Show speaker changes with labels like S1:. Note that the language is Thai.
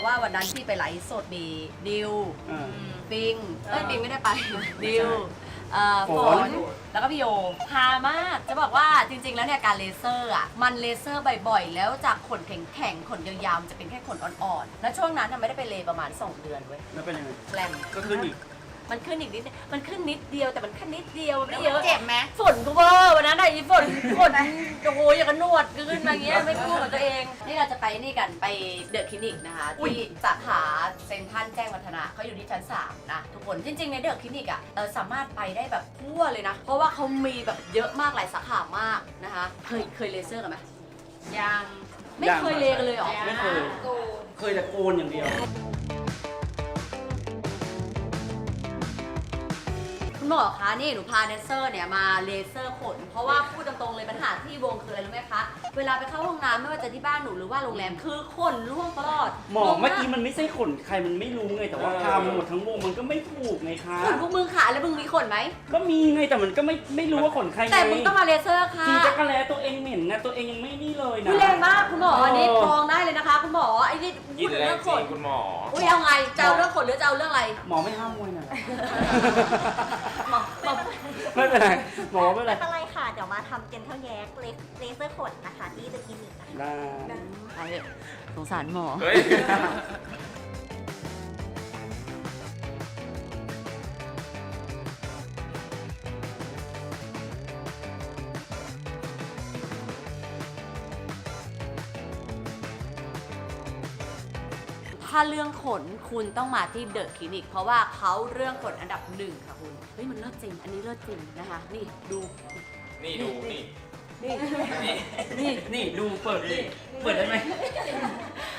S1: ว่าวันนั้นที่ไปไลฟ์สดมีดิวปิงปิงไม่ได้ไปดิวฝนแล้วก็พี่โยฮามากจะบอกว่าจริงๆแล้วเนี่ยการเลเซอร์อ่ะมันเลเซอร์บ่อยๆแล้วจากขนแข็งๆขนยาวๆจะเป็นแค่ขนอ่อนๆแล้วช่วงนั้นไม่ได้ไปเลประมาณ2 เดือนเว้ย
S2: แล้วเป็นยังไง
S1: แรง
S2: ก็ขึ้นอีก
S1: มันขึ้นอีกนิดมันขึ้นนิดเดียวแต่มันแค่นิดเดียวไม่เยอะ
S3: เจ็บไหม
S1: ฝนกูเวอร์วันนั้นไอ้ฝนโอ้โหอย่างกับหนวดขึ้นมาอย่างเงี้ยไม่กู้กับตัวเองนี่เราจะไปนี่กันไปเดอะคลินิกนะคะที่สาขาเซ็นทรัลแจ้งวัฒนะเขาอยู่ที่ชั้น3นะทุกคนจริงๆในเดอะคลินิกอ่ะสามารถไปได้แบบทั่วเลยนะเพราะว่าเขามีแบบเยอะมากหลายสาขามากนะคะเคยเลเซอร์กันไหม
S3: ยัง
S1: ไม่เคยเลกันเลยเหรอ
S2: ไม่เคย เคยแต่โกนอย่างเดียว
S1: คุณหมอคะนี่หนูพาแดนเซอร์เนี่ยมาเลเซอร์ขนเพราะว่าพูดตรงๆเลยปัญหาที่วงคืออะไรรู้ไหมคะเวลาไปเข้าห้องน้ำไม่ว่าจะที่บ้านหนูหรือว่าโรงแรมคือขนร่วงตลอด
S2: หมอเมื่อกี้มันไม่ใช่ขนใครมันไม่รู้ไงแต่ว่าทำหมดทั้งวงมันก็ไม่ถูกไงคะ
S1: ขนพวกมึงขาแล้วมึงมีขนไหม
S2: ก็มีไงแต่มันก็ไม่รู้ว่าขนใครไง
S1: แต่มึงต้องมาเลเซอร์ค่ะ
S2: จริงจักรแล้ตัวเองเหม็นนะตัวเองยังไม่นี่เลยนะ
S1: คุณแรงมากคุณหมออันนี้ฟ้องได้เลยนะคะ คุณหมอไอ้นี่พู
S4: กิ
S1: ด
S4: น
S1: ถึง
S4: แร
S1: เรื่
S4: ง
S1: อง
S4: จ
S1: ข
S4: ริ
S1: น
S4: งคุณหมอ
S1: อุ้ยเอาไงจะเอาเรื่องขนหรือจะเอาเรื่องอะไร
S2: หมอไม่ห้ามมวยนะ
S1: หมอ
S2: ไม่เป็นไรหมอไม่เป็นไร
S5: ไม่เป็นไรค่ะ เดี๋ยวมาทำเจนเทลแยกเลเซอร์ขนนะคะที่เดอะคลินิกนะคะ
S2: ได้
S1: เอาเถอะสงสารหมอ
S4: เฮ้ย
S1: ถ้าเรื่องขนคุณต้องมาที่เดอะคลินิกเพราะว่าเขาเรื่องขนอันดับ1ค่ะคุณเฮ้ยมันเลิศจริงอันนี้เลิศจริงนะคะนี่ดู
S4: นี่ดูนี่
S1: นี่
S4: นี่
S1: นี่
S2: นี่ดูเปิดดิเปิดได้ไหม